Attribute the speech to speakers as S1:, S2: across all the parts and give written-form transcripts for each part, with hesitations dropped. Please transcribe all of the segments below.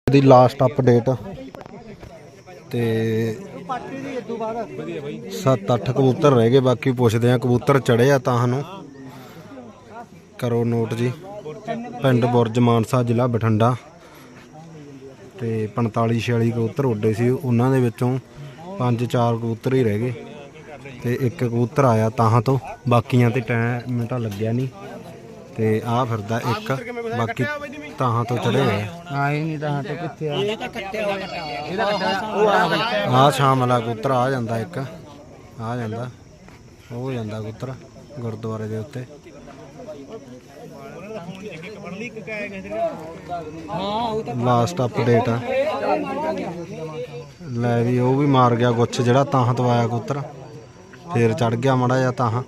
S1: ਦੀ last update ਤੇ 7-8 ਕਬੂਤਰ ਰਹਿ ਗਏ, ਬਾਕੀ ਪੁੱਛਦੇ ਆ ਕਬੂਤਰ ਚੜੇ ਆ ਤਾਂ ਸਾਨੂੰ ਕਰੋ ਨੋਟ ਜੀ। ਪਿੰਡ ਬੁਰਜ ਮਾਨਸਾ ਜ਼ਿਲ੍ਹਾ ਬਠਿੰਡਾ ਤੇ 45-46 ਕਬੂਤਰ ਉੱਡੇ ਸੀ, ਉਹਨਾਂ ਦੇ ਵਿੱਚੋਂ 5-4 ਕਬੂਤਰ ਹੀ ਰਹਿ ਗਏ ਤੇ ਇੱਕ ਕਬੂਤਰ ਆਇਆ ਤਾਹਾਂ ਤੋਂ, ਬਾਕੀਆਂ ਤੇ ਟਾਈਮ ਤਾਂ ਲੱਗਿਆ ਨਹੀਂ ਤੇ ਆ ਫਿਰਦਾ ਇੱਕ, ਬਾਕੀ ਤਾਹਾਂ ਤੋਂ ਚੜੇ ਹੋਏ
S2: ਆਏ ਨਹੀਂ ਤਾਂ ਕਿੱਥੇ ਆ
S1: ਆ ਸ਼ਾਮ ਵਾਲਾ ਕਬੂਤਰ ਆ ਜਾਂਦਾ, ਇੱਕ ਆ ਜਾਂਦਾ, ਉਹ ਜਾਂਦਾ ਕਬੂਤਰ ਗੁਰਦੁਆਰੇ ਦੇ ਉੱਤੇ। ਲਾਸਟ ਅਪਡੇਟ ਆ ਲੈ ਵੀ, ਉਹ ਵੀ ਮਾਰ ਗਿਆ ਗੁੱਛ ਜਿਹੜਾ ਤਾਹਾਂ ਤੋਂ ਆਇਆ ਕਬੂਤਰ, ਫੇਰ ਚੜ ਗਿਆ ਮਾੜਾ ਜਿਹਾ ਤਾਹਾਂ।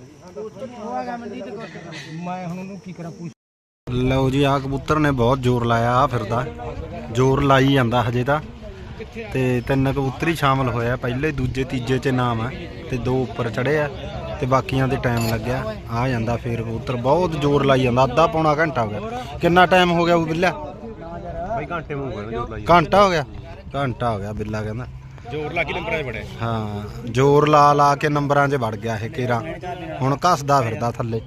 S1: ਲਓ ਜੀ ਆ ਕਬੂਤਰ ਨੇ ਬਹੁਤ ਜ਼ੋਰ ਲਾਇਆ, ਆ ਫਿਰਦਾ ਜ਼ੋਰ ਲਾਈ ਜਾਂਦਾ ਹਜੇ ਤਾਂ, ਤੇ 3 ਕਬੂਤਰ ਹੀ ਸ਼ਾਮਲ ਹੋਇਆ, ਪਹਿਲੇ ਦੂਜੇ ਤੀਜੇ 'ਚ ਨਾਮ ਹੈ ਤੇ 2 ਉੱਪਰ ਚੜੇ ਆ ਤੇ ਬਾਕੀਆਂ ਦੇ ਟਾਈਮ ਲੱਗਿਆ। ਆ ਜਾਂਦਾ ਫੇਰ ਕਬੂਤਰ ਬਹੁਤ ਜ਼ੋਰ ਲਾਈ ਜਾਂਦਾ, ਅੱਧਾ ਪੌਣਾ ਘੰਟਾ ਹੋ ਗਿਆ। ਕਿੰਨਾ ਟਾਈਮ ਹੋ ਗਿਆ ਉਹ ਬਿੱਲਾ? ਘੰਟਾ ਹੋ ਗਿਆ, ਘੰਟਾ ਹੋ ਗਿਆ ਬਿੱਲਾ ਕਹਿੰਦਾ
S3: ਜ਼ੋਰ ਲਾ ਕੇ ਨੰਬਰਾਂ 'ਚ ਵੜਿਆ।
S1: ਹਾਂ ਜ਼ੋਰ ਲਾ ਕੇ ਨੰਬਰਾਂ 'ਚ ਵੜ ਗਿਆ ਇਹ ਕੇਰਾ, ਹੁਣ ਘਸਦਾ ਫਿਰਦਾ ਥੱਲੇ।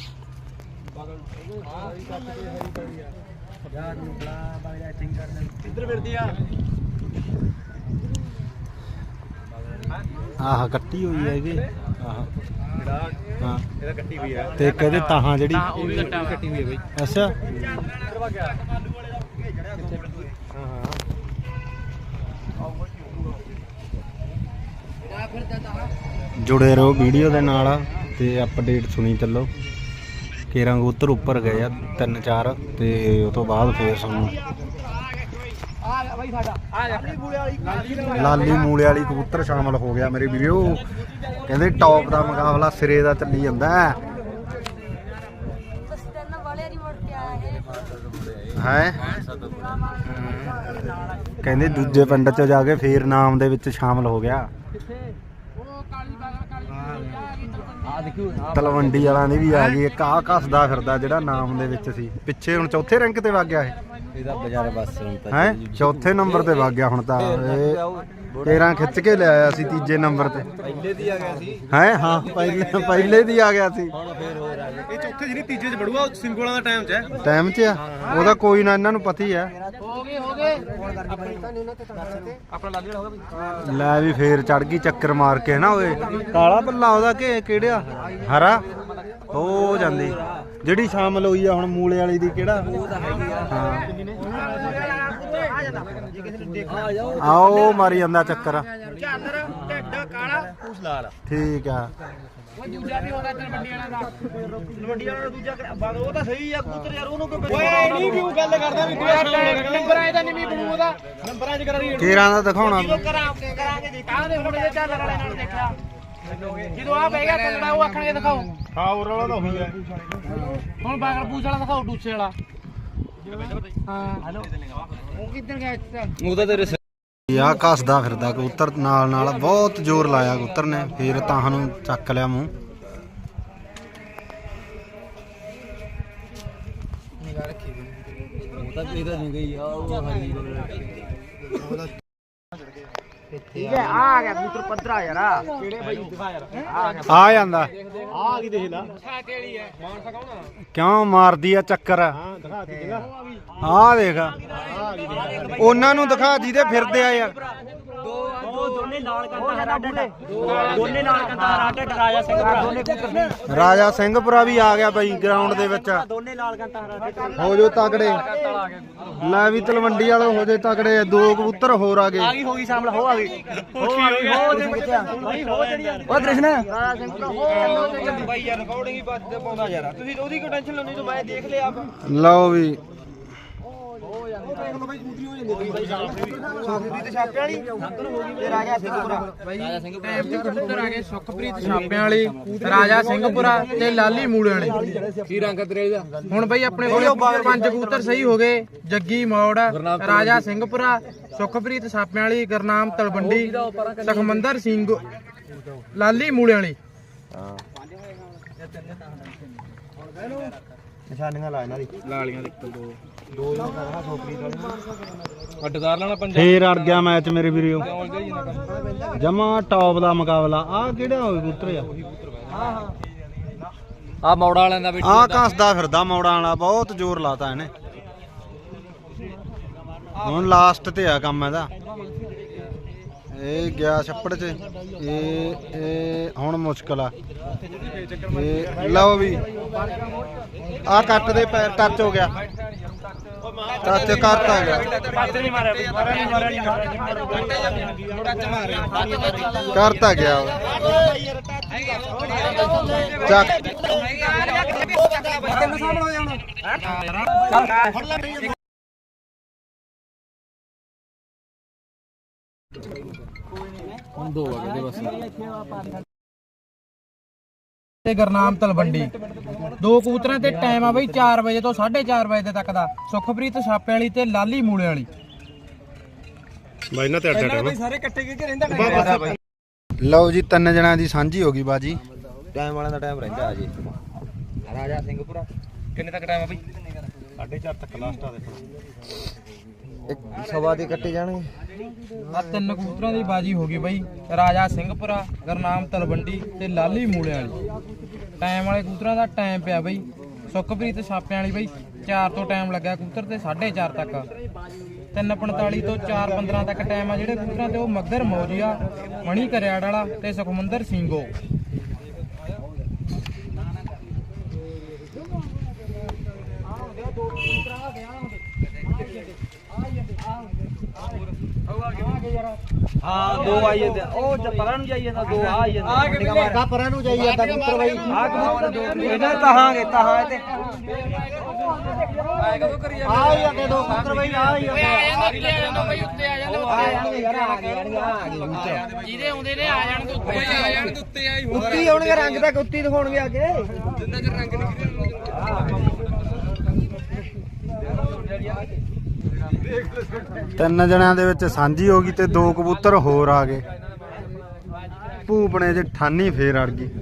S1: ਆਹ ਕੱਟੀ ਹੋਈ ਹੈਗੀ, ਆਹ ਹਾਂ
S3: ਇਹਦਾ ਕੱਟੀ ਹੋਈ ਹੈ
S1: ਤੇ ਕਹਿੰਦੇ ਤਾਹਾਂ ਜਿਹੜੀ
S3: ਉਹ ਵੀ ਕੱਟੀ ਹੋਈ ਹੈ ਬਈ।
S1: ਅੱਛਾ ਜੁੜੇ ਰਹੋ ਵੀਡੀਓ ਦੇ ਨਾਲ ਤੇ ਅਪਡੇਟ ਸੁਣੀ ਚੱਲੋ। ਕੇਰਾਂ ਕਬੂਤਰ ਉੱਪਰ ਗਏ ਆ 3-4 ਤੇ ਉਹ ਤੋਂ ਬਾਅਦ ਫੇਰ ਸਾਨੂੰ ਲਾਲੀ ਮੂਲੇ ਵਾਲੀ ਕਬੂਤਰ ਸ਼ਾਮਲ ਹੋ ਗਿਆ ਮੇਰੇ ਵੀਡੀਓ। ਕਹਿੰਦੇ ਟੌਪ ਦਾ ਮੁਕਾਬਲਾ ਸਿਰੇ ਦਾ ਚੱਲੀ ਜਾਂਦਾ ਹੈ। ਕਹਿੰਦੇ ਦੂਜੇ ਪਿੰਡ 'ਚ ਜਾ ਕੇ ਫੇਰ ਨਾਮ ਦੇ ਵਿੱਚ ਸ਼ਾਮਲ ਹੋ ਗਿਆ। ਤਲਵੰਡੀ ਵਾਲਾਂ ਦੀ ਵੀ ਆ ਗਈ ਇੱਕ, ਆ ਘਸਦਾ ਫਿਰਦਾ ਜਿਹੜਾ ਨਾਮ ਦੇ ਵਿੱਚ ਸੀ ਪਿੱਛੇ, ਹੁਣ ਚੌਥੇ ਰੈਂਕ ਤੇ ਵਗ ਗਿਆ ਇਹ
S2: ਬਜ਼ਾਰੇ ਬਸ
S1: ਹੈ, ਚੌਥੇ ਨੰਬਰ ਤੇ ਵਗ ਗਿਆ ਹੁਣ ਤਾਂ। ਇਹ 13 ਖਿੱਚ ਕੇ ਲਿਆਇਆ ਸੀ ਤੀਜੇ ਨੰਬਰ ਤੇ,
S2: ਪਹਿਲੇ ਦੀ ਆ ਗਿਆ ਸੀ
S1: ਹੈ ਹਾਂ ਪਹਿਲੇ ਦੀ ਆ ਗਿਆ ਸੀ।
S3: ਇਹ ਚੌਥੇ ਜਿਹੜੀ ਤੀਜੇ 'ਚ ਵੜੂਗਾ ਸਿੰਗੋਲਾਂ ਦਾ ਟਾਈਮ 'ਚ ਹੈ,
S1: ਟਾਈਮ 'ਚ ਆ ਉਹਦਾ, ਕੋਈ ਨਾ ਇਹਨਾਂ ਨੂੰ ਪਤਾ ਹੀ ਆ। ਲੈ ਵੀ ਫੇਰ ਚੜ ਗਈ ਚੱਕਰ ਮਾਰ ਕੇ ਨਾ, ਓਏ ਕਾਲਾ ਪੱਲਾ ਉਹਦਾ ਕਿ ਕਿਹੜਾ ਹਰਾ ਹੋ ਜਾਂਦੀ ਜਿਹੜੀ ਸ਼ਾਮਲ ਹੋਈ ਆ ਹੁਣ ਮੂਲੇ ਵਾਲੀ ਦੀ, ਕਿਹੜਾ ਆਓ ਮਾਰੀ ਜਾਂਦਾ ਚੱਕਰ। ਠੀਕ ਆ
S3: ਉਹ ਤਾਂ ਸਹੀ ਆ ਕਬੂਤਰ ਯਾਰ, ਉਹਨੂੰ ਓਏ ਨਹੀਂ ਕਿਉਂ ਗੱਲ ਕਰਦਾ ਵੀ ਨੰਬਰਾਂ ਇਹਦਾ ਨਹੀਂ ਬਣੂ, ਉਹਦਾ ਨੰਬਰਾਂ 'ਚ ਕਰਾਂਗੇ
S1: ਕੇਰਾਂ ਦਾ ਦਿਖਾਉਣਾ
S3: ਕਰਾਂਗੇ ਦੇਖਾਂਗੇ ਹੁਣ ਇਹਦੇ ਚੱਲ ਵਾਲੇ ਨਾਲ ਦੇਖਿਆ ਜਦੋਂ ਆ ਬਹਿ ਗਿਆ ਕੰਡਾ ਉਹ ਆਖਣਗੇ ਦਿਖਾਓ। ਹਾਂ ਹੋਰ ਵਾਲਾ ਤਾਂ ਉਹੀ ਹੈ, ਹੁਣ ਬਾਗਲ ਪੂਛ ਵਾਲਾ ਦਿਖਾਓ, ਡੂਸੇ ਵਾਲਾ। ਹਾਂ ਹੈਲੋ ਉਹ ਕਿੱਧਰ ਗਿਆ?
S2: ਉਹਦਾ ਤੇਰੇ
S1: ਆ ਘਸਦਾ ਫਿਰਦਾ ਕਬੂਤਰ ਨਾਲ ਬਹੁਤ ਜ਼ੋਰ ਲਾਇਆ ਕਬੂਤਰ ਨੇ, ਫੇਰ ਤਾਂ ਨੂੰ ਚੱਕ ਲਿਆ ਮੂੰਹ।
S3: ਠੀਕ ਹੈ ਆ ਗਿਆ ਕਬੂਤਰ ਪੱਧਰਾ ਯਾਰ, ਕਿਹੜੇ ਬਾਈ ਦਿਖਾ ਯਾਰ,
S1: ਆ ਜਾਂਦਾ
S3: ਆ ਕੀ ਦੇਖ ਲਾ ਛਾਟੇ ਵਾਲੀ ਹੈ, ਮਾਨਸਾ ਕੌਣ ਆ
S1: ਕਿਉਂ ਮਾਰਦੀ ਆ ਚੱਕਰ।
S3: ਹਾਂ ਦਿਖਾ ਦੀ ਜਗਾ
S1: ਆ ਦੇਖ ਉਹਨਾਂ ਨੂੰ ਦਿਖਾ ਜਿਹਦੇ ਫਿਰਦੇ ਆ ਯਾਰ।
S3: ਦੋਨੇ ਨਾਲ ਕੰਦਾ ਹਰਾ ਡੱਡਾ, ਦੋਨੇ ਨਾਲ ਕੰਦਾ ਹਰਾ ਡੱਡਾ, ਰਾਜਾ ਸਿੰਘਪੁਰਾ ਦੋਨੇ ਕਬੂਤਰ,
S1: ਰਾਜਾ ਸਿੰਘਪੁਰਾ ਵੀ ਆ ਗਿਆ ਬਾਈ ਗਰਾਊਂਡ ਦੇ ਵਿੱਚ।
S3: ਦੋਨੇ ਨਾਲ ਕੰਦਾ ਹਰਾ ਡੱਡਾ
S1: ਹੋ ਜੋ ਤਗੜੇ, ਲੈ ਵੀ ਤਲਵੰਡੀ ਵਾਲੇ ਹੋ ਜੇ ਤਗੜੇ, 2 ਕਬੂਤਰ ਹੋਰ ਆ ਗਏ।
S3: ਹੋ ਗਈ ਸ਼ਾਮਲ, ਹੋ ਆ ਗਈ ਹੋ ਜੜੀ ਉਹ ਕ੍ਰਿਸ਼ਨ ਰਾਜਾ ਸਿੰਘਪੁਰਾ ਹੋ ਬਾਈ ਯਾਰ, ਰਿਕਾਰਡਿੰਗ ਹੀ ਬੱਦ ਪਾਉਂਦਾ ਯਾਰ, ਤੁਸੀਂ ਉਹਦੀ ਕੋਈ ਟੈਨਸ਼ਨ ਲੈਣੀ, ਮੈਂ ਦੇਖ ਲਿਆ।
S1: ਲਓ ਵੀ
S3: ਸੁਖਪ੍ਰੀਤ ਛਾਪਿਆਂ ਵਾਲੀ ਤੇ ਰਾਜਾ ਸਿੰਘਪੁਰਾ, ਰਾਜਾ ਸਿੰਘਪੁਰਾ
S2: ਕਬੂਤਰ ਆ ਗਏ। ਸੁਖਪ੍ਰੀਤ ਛਾਪਿਆਂ ਵਾਲੀ, ਰਾਜਾ ਸਿੰਘਪੁਰਾ ਤੇ ਲਾਲੀ ਮੂਲੇ ਵਾਲੇ। ਕੀ ਰੰਗ ਤੇਰੇ ਦਾ? ਹੁਣ ਬਈ ਆਪਣੇ ਕੋਲੇ 5 ਕਬੂਤਰ ਸਹੀ ਹੋ ਗਏ। ਜੱਗੀ ਮੌੜ, ਰਾਜਾ ਸਿੰਘਪੁਰਾ, ਸੁਖਪ੍ਰੀਤ ਛਾਪਿਆਂ ਵਾਲੀ, ਗੁਰਨਾਮ ਤਲਵੰਡੀ, ਸੁਖਮੰਦਰ ਸਿੰਘ, ਲਾਲੀ ਮੂਲੇ ਵਾਲੀ।
S1: ਨਿਸ਼ਾਨੀਆਂ ਲਾ ਇਹਨਾਂ ਦੀ
S2: ਲਾਲੀਆਂ ਦੇ 1 2 ਅੱਡਦਾਰ ਲੈਣਾ ਪੰਜਾ
S1: ਫੇਰ ਅੜ ਗਿਆ ਮੈਚ ਮੇਰੇ ਵੀਰੋ ਜਮਾ ਟੌਪ ਦਾ ਮੁਕਾਬਲਾ। ਆ ਕਿਹੜਾ ਹੋਵੇ ਕਬੂਤਰ
S2: ਆ ਮੌੜਾ ਵਾਲਿਆਂ ਦਾ ਵੀ
S1: ਆ ਕੱਸਦਾ ਫਿਰਦਾ ਮੌੜਾਂ ਵਾਲਾ, ਬਹੁਤ ਜ਼ੋਰ ਲਾਤਾ ਇਹਨੇ। ਹੁਣ ਲਾਸਟ ਤੇ ਆ ਕੰਮ ਇਹਦਾ। ਇਹ ਗਿਆ ਛੱਪੜ 'ਚ, ਇਹ ਹੁਣ ਮੁਸ਼ਕਲ ਆ। ਇਹ ਲਓ ਵੀ ਆ ਕੱਟ ਦੇ ਪੈਰ ਟੱਚ ਹੋ ਗਿਆ, ਟੱਚ ਕਰਤਾ ਗਿਆ, ਕਰਤਾ ਗਿਆ ਚੱਕ।
S2: ਤੇ ਗੁਰਨਾਮ ਤਲਵੰਡੀ ਦੋ ਕਬੂਤਰਾਂ ਤੇ ਟਾਈਮ ਆ ਬਈ 4 ਵਜੇ ਤੋਂ 4:30 ਵਜੇ ਤੱਕ ਦਾ। ਸੁਖਪ੍ਰੀਤ ਛਾਪੇ ਵਾਲੀ ਤੇ ਲਾਲੀ ਮੂਲੇ ਵਾਲੀ
S1: ਬਾਈ ਨਾ ਤੇ ਅੱਡ ਅੱਡ ਸਾਰੇ ਇਕੱਠੇ ਕਿੱਥੇ ਰਹਿੰਦਾ। ਲਓ ਜੀ 3 ਜਣਾਂ ਦੀ ਸਾਂਝੀ ਹੋ ਗਈ ਬਾਜੀ।
S4: ਟਾਈਮ ਵਾਲਿਆਂ ਦਾ ਟਾਈਮ ਰਹਿੰਦਾ ਜੀ। ਰਾਜਾ ਸਿੰਘਪੁਰਾ
S2: ਕਿੰਨੇ ਤੱਕ ਟਾਈਮ ਆ ਬਈ?
S1: 4:30 ਤੱਕ ਲਾਸਟ ਆ ਦੇਖੋ।
S4: ਇੱਕ ਸਵਾ ਦੇ ਕੱਟੇ ਜਾਣਗੇ।
S2: ਆ 3 ਕਬੂਤਰਾਂ ਦੀ ਬਾਜੀ ਹੋ ਗਈ ਬਈ। ਰਾਜਾ ਸਿੰਘਪੁਰਾ, ਗੁਰਨਾਮ ਤਲਵੰਡੀ ਤੇ ਲਾਲੀ ਮੂਲੇ ਵਾਲੀ। ਟਾਈਮ ਵਾਲੇ ਕਬੂਤਰਾਂ ਦਾ ਟਾਈਮ ਪਿਆ ਬਈ। ਸੁਖਪ੍ਰੀਤ ਛਾਪਿਆਂ ਵਾਲੀ ਬਈ 4 ਤੋਂ ਟਾਈਮ ਲੱਗਿਆ ਕਬੂਤਰ ਤੇ 4:30 ਤੱਕ। 3:45 ਤੋਂ 4:15 ਤੱਕ ਟਾਈਮ ਆ ਜਿਹੜੇ ਕਬੂਤਰਾਂ ਤੇ ਉਹ ਮੱਗਰ ਮੌਜੀਆ, ਮਣੀ ਕਰਿਆੜ ਵਾਲਾ ਤੇ ਸੁਖਮੰਦਰ ਸਿੰਘੋ।
S4: ਹਾਂ ਦੋ ਆਈ ਜਾਂਦੇ ਉਹ ਪਰਾਂ ਨੂੰ ਜਾਈ ਜਾਂਦਾ, ਦੋ ਆ ਜਾਂਦਾ ਪਰਾਂ ਨੂੰ ਜਾਈ ਜਾਂਦਾ ਕਬੂਤਰ ਬਾਈ। ਆ ਕਬੂਤਰ ਇਹਨਾਂ ਤਹਾਂਗੇ ਤਹਾਂ ਤੇ ਆਏ ਕਦੋਂ ਕਰੀ ਜਾਂਦੇ ਆ ਹੀ ਜਾਂਦੇ ਦੋ ਕਬੂਤਰ ਬਾਈ। ਆ ਹੀ
S2: ਜਾਂਦਾ ਬਈ, ਉੱਤੇ ਆ ਜਾਂਦਾ।
S4: ਆ ਜਾਣਗੇ ਯਾਰ, ਆ ਗਏ
S2: ਜਿਹਦੇ ਆਉਂਦੇ ਨੇ ਆ ਜਾਣ ਤੋਂ ਉੱਤੇ ਆ ਜਾਣ ਤੋਂ ਉੱਤੇ ਆਈ।
S4: ਉੱਤੀ ਆਉਣਗੇ, ਰੰਗ ਤਾਂ ਉੱਤੀ ਦਿਖਾਉਣਗੇ ਆ ਕੇ।
S2: ਜਿੰਨਾ ਚਿਰ ਰੰਗ ਨਹੀਂ
S1: 3 ਜਣਿਆਂ ਦੇ ਵਿੱਚ ਸਾਂਝੀ ਹੋ ਗਈ ਤੇ 2 ਕਬੂਤਰ ਹੋਰ ਆ ਗਏ। ਭੂਪਣੇ 'ਚ ਠਾਨੀ ਫੇਰ ਅੜ ਗਈ।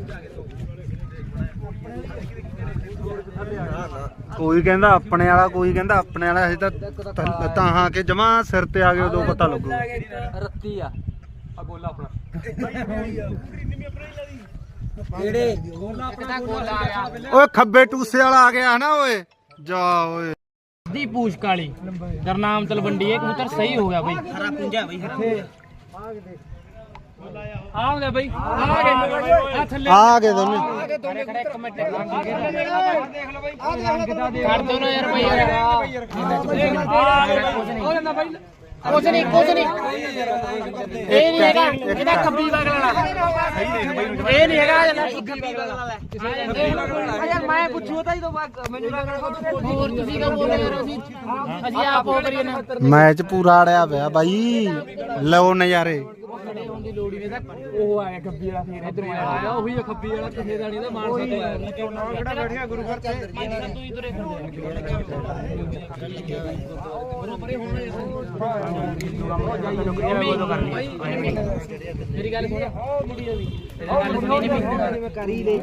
S1: ਕੋਈ ਕਹਿੰਦਾ ਆਪਣੇ ਵਾਲਾ, ਕੋਈ ਕਹਿੰਦਾ ਆਪਣੇ ਵਾਲਾ। ਅਸੀਂ ਤਾਂ ਹਾਂ ਕਿ ਜਮਾ ਸਿਰ ਤੇ ਆ ਗਏ, ਉਦੋਂ ਪਤਾ ਲੱਗੂ।
S2: ਰੱਤੀ ਆ ਗੋਲਾ ਆਪਣਾ
S4: ਕਿਹੜੇ
S2: ਇੱਕ ਤਾਂ ਗੋਲਾ ਆ ਗਿਆ।
S1: ਓਏ ਖੱਬੇ ਟੂਸੇ ਵਾਲਾ ਆ ਗਿਆ ਨਾ ਓਏ, ਜਾ ਓਏ।
S2: ਦੀ ਪੂਛ ਕਾਲੀ ਗੁਰਨਾਮ ਤਲਵੰਡੀ। ਇਹ ਕਬੂਤਰ ਸਹੀ ਹੋ ਗਿਆ ਬਈ।
S4: ਹਰਾ ਪੁੰਜਾ ਬਈ ਹੱਥੇ
S2: ਆਉਂਦੇ ਬਈ, ਆ ਗਏ ਆ ਥੱਲੇ
S1: ਆ ਗਏ ਦੋਨੇ।
S2: ਖੜੇ ਖੜੇ ਇੱਕ ਮਿੰਟ ਕਰ ਦੋ ਨਾ ਯਾਰ ਬਈ। ਕੁਝ ਨਹੀਂ ਇਹ ਨਹੀਂ ਹੈਗਾ, ਇਹਦਾ ਖੱਬੀ ਬਗਲ ਵਾਲਾ ਇਹ ਨਹੀਂ ਹੈਗਾ।
S4: ਯਾਰ ਮੈਂ ਪੁੱਛੂ ਤਾਂ ਜਦੋਂ ਮੈਨੂੰ
S2: ਹੋਰ ਤੁਸੀਂ ਕਾ ਬੋਲ ਰਹੇ ਹੋ? ਅਸੀਂ ਆਪ ਹੋ ਕਰੀਏ ਨਾ।
S1: ਮੈਚ ਪੂਰਾ ਅੜਿਆ ਪਿਆ ਬਾਈ, ਲਓ ਨਜ਼ਾਰੇ।
S2: ਉਹ ਆਇਆ ਖੱਬੀ ਵਾਲਾ, ਫੇਰ ਇਧਰੋਂ ਆਇਆ ਉਹੀ ਖੱਬੀ ਵਾਲਾ। ਕਿਸੇ ਦਾ ਨਹੀਂ ਦਾ ਮਾਨਸਾ ਤੋਂ ਆਇਆ।
S4: ਕਿਹੜਾ ਬੈਠਿਆ ਗੁਰੂ ਘਰ ਤੇ।
S2: ਮੇਰੀ ਗੱਲ ਸੁਣ, ਗੱਲ ਸੁਣੀ ਨਹੀਂ
S4: ਕਰੀ ਲੈ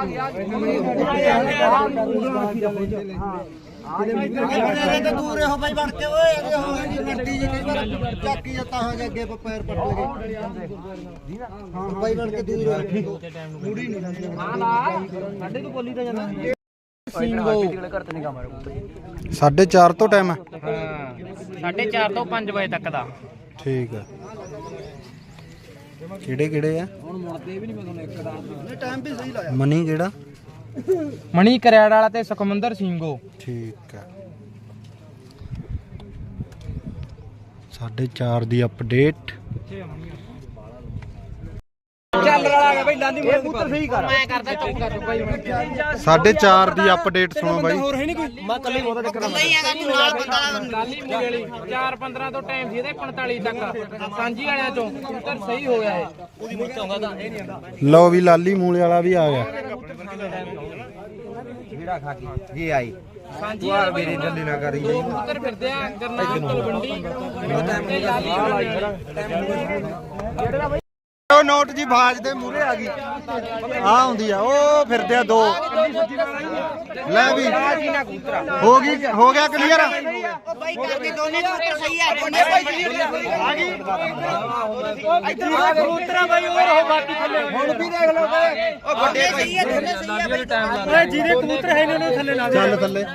S4: ਦੂਰ ਰਹੋ ਬਾਈ ਬਣ ਕੇ। ਓਏ ਅੱਗੇ ਹੋ ਜੀ ਮੱਟੀ ਜੀ ਕਈ ਵਾਰ ਚੱਕੀ ਜਾਂ ਤਾਂ ਅੱਗੇ ਪੈਰ ਪੱਟੋਗੇ। ਹਾਂ ਬਾਈ ਬਣ ਕੇ ਦੂਰ ਰਹੋ। ਮੂੜੀ ਨਹੀਂ ਸਾਡੇ ਤੋਂ ਬੋਲੀ ਤਾਂ ਜਾਂਦਾ
S2: ਸਿੰਘੋ।
S1: 4:30 ਤੋਂ ਟਾਈਮ ਹੈ।
S2: ਹਾਂ 4:30 ਤੋਂ 5 ਵਜੇ ਤੱਕ ਦਾ।
S1: ਠੀਕ ਆ। ਕਿਹੜੇ ਕਿਹੜੇ ਆ?
S4: ਟਾਈਮ ਵੀ ਸਹੀ ਲਾਇਆ।
S1: ਮਨੀ ਕਿਹੜਾ?
S2: ਮਣੀ ਕਰਿਆੜ ਵਾਲਾ ਤੇ ਸੁਖਮੰਦਰ ਸਿੰਘੋ।
S1: ਠੀਕ ਆ। 4:30 ਦੀ ਅਪਡੇਟ।
S4: ਚੱਲ ਰਲਾ ਗਿਆ ਬਾਈ ਲਾਲੀ ਮੂਰੇ ਪੁੱਤਰ ਸਹੀ ਕਰ।
S2: ਮੈਂ ਕਰਦਾ ਚੁੱਪ ਕਰ ਬਾਈ।
S1: 4:30 ਦੀ ਅਪਡੇਟ ਸੁਣੋ ਬਾਈ।
S4: ਹੋਰ ਹੈ ਨਹੀਂ ਕੋਈ। ਮੈਂ ਕੱਲੇ ਬਹੁਤਾ ਟੱਕਰ
S2: ਨਹੀਂ ਹੈਗਾ ਤੂੰ ਨਾਲ ਬੰਦਾ ਲਾਲੀ ਮੂਲੇ ਵਾਲੀ 4:15 ਤੋਂ ਟਾਈਮ ਸੀ ਇਹਦੇ 45 ਤੱਕ। ਸਾਂਝੀ ਵਾਲਿਆਂ ਤੋਂ ਕਬੂਤਰ ਸਹੀ ਹੋ ਗਿਆ ਇਹ। ਉਹਦੀ ਮੁੱਤ ਆਉਂਦਾ ਤਾਂ ਇਹ ਨਹੀਂ ਆਉਂਦਾ।
S1: ਲਓ ਵੀ ਲਾਲੀ ਮੂਲੇ ਵਾਲਾ ਵੀ ਆ ਗਿਆ।
S4: ਜਿਹੜਾ ਖਾ ਕੇ ਜੀ ਆਈ
S2: ਸਾਂਝੀ ਵਾਲਾ
S4: ਮੇਰੇ ਜੱਲੀ ਨਾ ਕਰੀ।
S2: ਦੋ ਕਬੂਤਰ ਫਿਰਦੇ ਆ ਗੁਰਨਾਮ ਤਲਵੰਡੀ ਤੇ ਲਾਲੀ ਮੂਲੇ ਵਾਲੀ।
S1: ਨੋਟ ਜੀ ਬਾਜ ਦੇ ਮੂਹਰੇ ਆ ਗਈ ਆ ਹੁੰਦੀ ਆ ਉਹ ਫਿਰਦੇ ਆ ਦੋ ਲੈ ਵੀ ਹੋ ਗਿਆ ਕਲੀਅਰ
S4: ਬਾਈ ਕਰਕੇ ਦੋਨੇ ਕਬੂਤਰ ਸਹੀ ਆ ਦੋਨੇ ਆ ਗਈ ਇੱਧਰ ਕਬੂਤਰਾਂ ਬਾਈ ਉਹ ਬਾਕੀ ਥੱਲੇ ਹੁਣ ਵੀ ਦੇਖ ਲਓ ਉਹ ਵੱਡੇ ਸਹੀ ਆ ਦੋਨੇ ਸਹੀ ਆ ਓਏ ਜਿਹਦੇ ਕਬੂਤਰ ਹੈ ਇਹਨਾਂ ਨੂੰ ਥੱਲੇ ਲਾ ਦੇ
S1: ਚੱਲ ਥੱਲੇ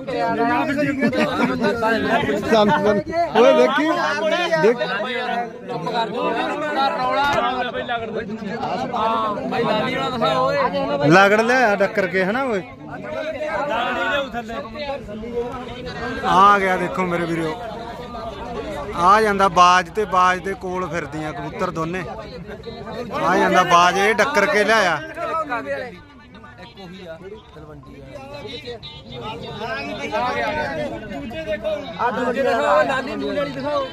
S1: ਚੱਲ ਓਏ ਦੇਖੀ ਦੇਖ
S2: ਚੁੱਪ ਕਰ ਜੋ ਰੌਲਾ ਬਈ ਲਗੜ ਹਾਂ ਬਈ ਲਾਲੀ ਵਾਲਾ ਦਿਖਾ ਓਏ
S1: ਲਗੜ ਲਿਆ ਡੱਕਰ ਕੇ ਹਨਾ ਓਏ ਆ ਗਿਆ ਦੇਖੋ ਮੇਰੇ ਵੀਰੋ ਆ ਜਾਂਦਾ ਬਾਜ ਤੇ ਬਾਜ ਦੇ ਕੋਲ ਫਿਰਦੀਆਂ ਕਬੂਤਰ ਦੋਨੇ ਆ ਜਾਂਦਾ ਬਾਜ ਇਹ ਡੱਕਰ ਕੇ ਲਿਆਇਆ
S2: ਆ ਦੂਜੇ ਦਿਖਾਓ ਲਾਲੀ ਮੂਲ ਵਾਲੀ ਦਿਖਾਓ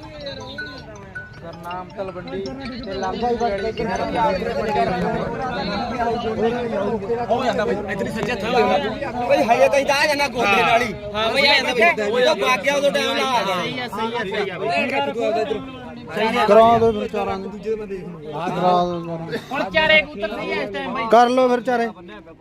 S2: ਨਾਮ ਤਲਵੰਡੀ ਤੇ ਲਾਂਭਾ ਹੀ ਕਿਨਾਰੇ ਹੋ ਜਾਂਦਾ ਬਈ ਇਤਨੀ ਸੱਚਾ ਥਾ ਬਈ ਹਾਏ ਤਾਂ ਇਦਾਂ ਆ ਜਾਂਦਾ ਗੋਡੇ ਨਾਲ ਹੀ ਹਾਂ ਬਈ ਆ ਜਾਂਦਾ ਬਈ ਉਹ ਭਾਗ ਗਿਆ ਉਦੋਂ ਟਾਈਮ ਲਾ ਆ ਸਹੀ ਆ
S1: ਕਰਾ ਦੋ ਫਿਰ ਚਾਰਾਂ ਨੂੰ ਦੂਜੇ ਮੈਂ ਦੇਖ ਲੂੰਗਾ ਕਰਾ ਦੋ
S3: ਹੁਣ ਚਾਰੇ ਕਬੂਤਰ ਸਹੀ ਆ ਇਸ ਟਾਈਮ ਬਾਈ
S1: ਕਰ ਲੋ ਫਿਰ ਚਾਰੇ